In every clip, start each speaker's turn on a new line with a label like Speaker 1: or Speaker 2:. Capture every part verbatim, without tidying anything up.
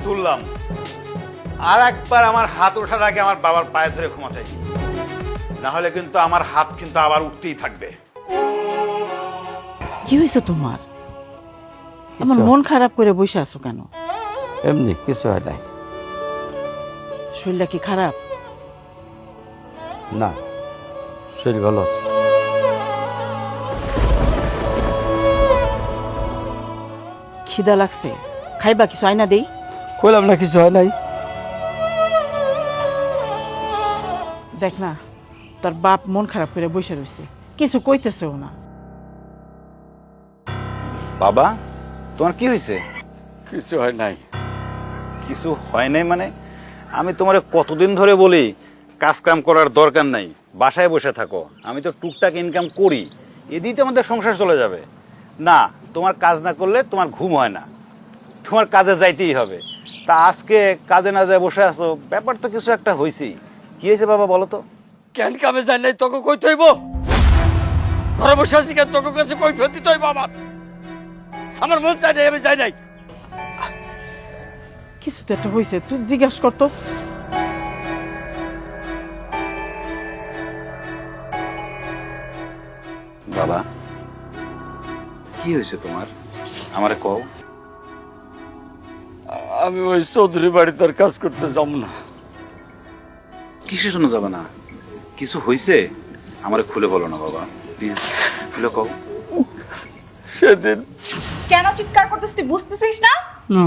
Speaker 1: তুললাম, আর একবার আমার হাত ওঠার আগে আমার বাবার পায়ে ধরে ক্ষমা চাই, না হলে কিন্তু আমার হাত কিন্তু আবার উঠতেই থাকবে।
Speaker 2: কি হয়েছে তোমার? আমার মন খারাপ করে বসে আছো কেন?
Speaker 3: এমনি কিছু হয় নাই।
Speaker 2: শরীরটা কি খারাপ?
Speaker 3: না, শরীর ভালো আছে।
Speaker 2: খিদা লাগছে, খাইবা কিছু আইনা দেই?
Speaker 3: কইলাম না কিছু হয় নাই।
Speaker 2: দেখ না, তোর বাপ মন খারাপ করে বসে রয়েছে, কিছু কইতেছেও না।
Speaker 1: বাবা, তোমার কি হয়েছে?
Speaker 3: কিছু হয় নাই।
Speaker 1: কিছু হয় নাই মানে? আমি তোমার কতদিন ধরে বলি কাজ কাম করার দরকার নাই, বাসায় বসে থাকো। আমি তো টুকটাক ইনকাম করি, এদিকে তো আমাদের সংসার চলে যাবে। না, তোমার কাজ না করলে তোমার ঘুম হয় না, তোমার কাজে যাইতেই হবে। তা আজকে কাজে না যায় বসে আছো, ব্যাপার তো কিছু একটা হয়েছেই। কি হয়েছে বাবা বলো তো?
Speaker 3: কেন কামে যাই নাই তোকে কই থইব? ঘরে বসে আছি কেন? তোকে কাছে কই ফেরতি তৈব? আমার আমার মন চাই নাই, আমি যাই নাই।
Speaker 2: কিছু তো একটা হয়েছে, তুই জিজ্ঞাস করতো।
Speaker 1: বাবা, কি হয়েছে তোমার? আমারে কও।
Speaker 3: আমি ওই চৌধুরী বাড়িতে আর কাজ করতে যাব না।
Speaker 1: কিসের জন্য যাবে না? কিছু হয়েছে? আমারে খুলে বলো না বাবা, প্লিজ খুলে কও।
Speaker 3: সেদিন
Speaker 4: কেন চিৎকার করতেছিস তুই বুঝতেছিস না?
Speaker 3: না,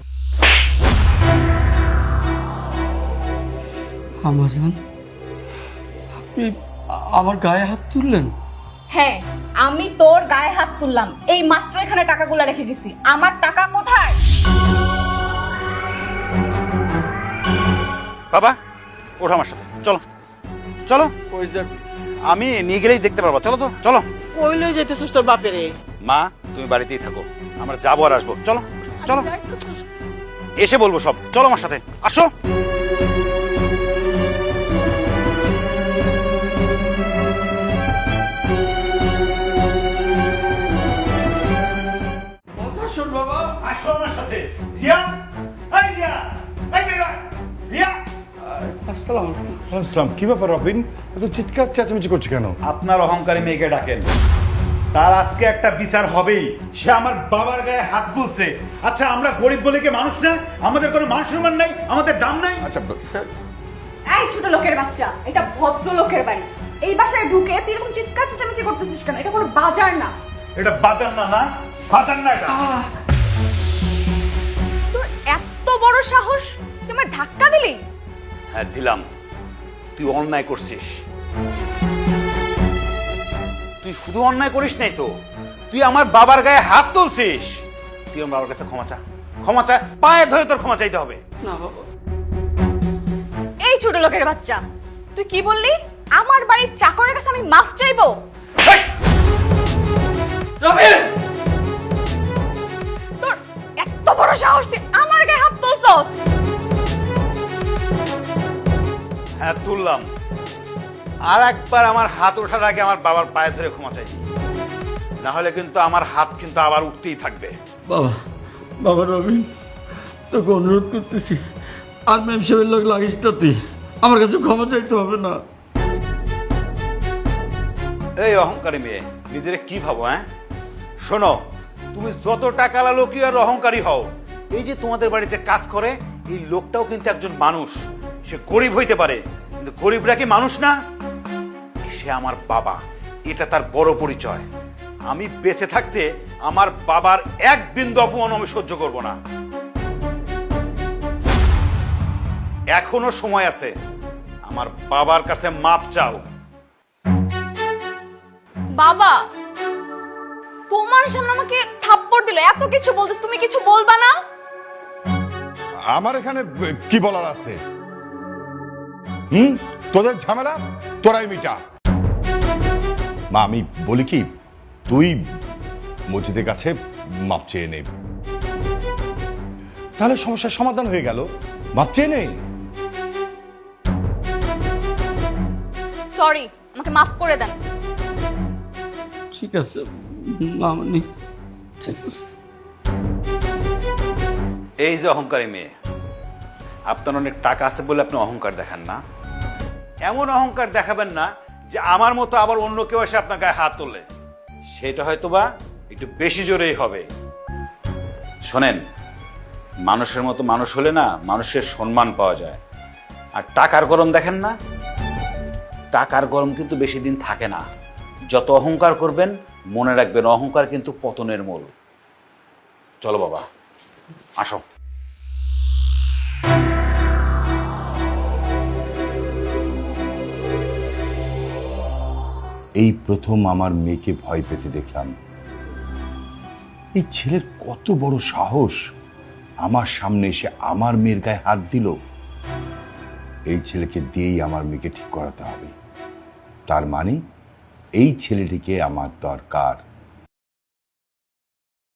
Speaker 3: আমাজন আপনি আমার গায়ে হাত তুললেন?
Speaker 4: হ্যাঁ, আমি তোর গায়ে হাত তুললাম। এই মাত্র এখানে টাকাগুলো রেখে গেছি। আমার টাকা কোথায়?
Speaker 1: বাবা, ওঠো আমার সাথে, চলো চলো।
Speaker 3: কই যাবি?
Speaker 1: আমি নিয়ে গেলেই দেখতে পারবো, চলো তো চলো।
Speaker 2: কই লই যাইতেছিস তোর বাপেরে?
Speaker 1: মা, তুমি বাড়িতেই থাকো, আমরা যাবো আর আসবো। চলো চলো, এসে বলবো সব। চলো আমার সাথে, আসো।
Speaker 3: কথা শোন বাবা।
Speaker 1: আসো আমার সাথে। রিয়া, এই রিয়া, এই রিয়া, রিয়া।
Speaker 3: আসসালাম।
Speaker 5: আসসালাম। কি ব্যাপার রবিন, এত চিৎকার চেঁচামেচি করছে কেন?
Speaker 1: আপনার অহংকারী মেয়েকে ডাকেন, তার আজকে একটা বিচার হবেই। সে আমার বাবার গায়ে হাত তুলছে। আচ্ছা, আমরা গরিব বলে কি মানুষ না? আমাদের কোনো মান সম্মান নাই, আমাদের দাম নাই?
Speaker 5: আচ্ছা,
Speaker 4: এই ছোট লোকের বাচ্চা, এটা ভদ্র লোকের বাড়ি। এই বাসায় ঢুকে তুই এরকম চিৎকার চেঁচামেচি করতেছিস কেন? এটা কোনো বাজার না।
Speaker 1: এটা বাজার না, না বাজার না এটা।
Speaker 4: তোর এত বড় সাহস, তুই আমার ধাক্কা দিলি?
Speaker 1: হ্যাঁ দিলাম, তুই অন্যায় করছিস। তুই শুধু অন্যায় করিস নাই তো, তুই আমার বাবার গায়ে হাত তুলছিস। তুই আমার বাবার কাছে ক্ষমা চা, ক্ষমা চা, পায়ে ধরে তোর ক্ষমা চাইতে হবে।
Speaker 3: না বাবা।
Speaker 4: এই ছোট লোকের বাচ্চা, তুই কি বললি? আমার বাড়ির চাকরের কাছে আমি মাফ চাইবো?
Speaker 1: হেই!
Speaker 3: রবিন!
Speaker 4: তোর এত বড় সাহস, তুই আমার গায়ে হাত তুলছস?
Speaker 1: হ্যাঁ তুললাম, আর একবার আমার হাত ওঠার আগে আমার বাবার পায়ে ধরে ক্ষমা চাই, না হলে কিন্তু আমার হাত কিন্তু আবার উঠতেই থাকবে।
Speaker 3: বাবা, বাবা রবিন, তোকে অনুরোধ করতেছি, আর ম্যাম সাহেবের লোক লাগিস না তুই। আমার কাছে ক্ষমা চাইতে হবে না।
Speaker 1: এই অহংকারী মেয়ে, নিজের কি ভাবো? হ্যাঁ শোনো, তুমি যত টাকালা লোকই আর অহংকারী হও, এই যে তোমাদের বাড়িতে কাজ করে এই লোকটাও কিন্তু একজন মানুষ। সে গরিব হইতে পারে, কিন্তু গরিবরা কি মানুষ না? সে আমার বাবা, এটা তার বড় পরিচয়। আমি বেঁচে থাকতে আমার বাবার এক বিন্দু অপমান আমি সহ্য করব না। এখনো সময় আছে, আমার বাবার কাছে মাপ চাও।
Speaker 4: বাবা, তোমার সামনে আমাকে থাপ্পড় দিল, এত কিছু বলতেছ, তুমি কিছু বলবা না?
Speaker 5: আমার এখানে কি বলার আছে? হুম, তোদের ঝামেলা তোরাই মিটা। মা, আমি বলি কি, তুই মসজিদের কাছে মাপ চেয়ে নে, তাহলে সমস্যার সমাধান হয়ে গেল। মাপ চেয়ে নেই।
Speaker 4: সরি, আমাকে মাফ করে দেন।
Speaker 3: ঠিক আছে মামনি, ঠিক আছে।
Speaker 1: এই যে অহংকারী মেয়ে, আপনার অনেক টাকা আছে বলে আপনি অহংকার দেখান না। এমন অহংকার দেখাবেন না যে আমার মতো আবার অন্য কেউ এসে আপনার গায়ে হাত তোলে, সেটা হয়তো বা একটু বেশি জোরেই হবে। শোনেন, মানুষের মতো মানুষ হলে না মানুষের সম্মান পাওয়া যায়। আর টাকার গরম দেখেন না, টাকার গরম কিন্তু বেশি দিন থাকে না। যত অহংকার করবেন মনে রাখবেন অহংকার কিন্তু পতনের মূল। চলো বাবা, আসো।
Speaker 6: এই প্রথম আমার মেয়েকে ভয় পেতে দেখলাম। এই ছেলের কত বড় সাহস, আমার সামনে এসে আমার মেয়ের গায়ে হাত দিল। এই ছেলেকে দিয়েই আমার মেয়েকে ঠিক করাতে হবে। তার মানে এই ছেলেটিকে আমার দরকার।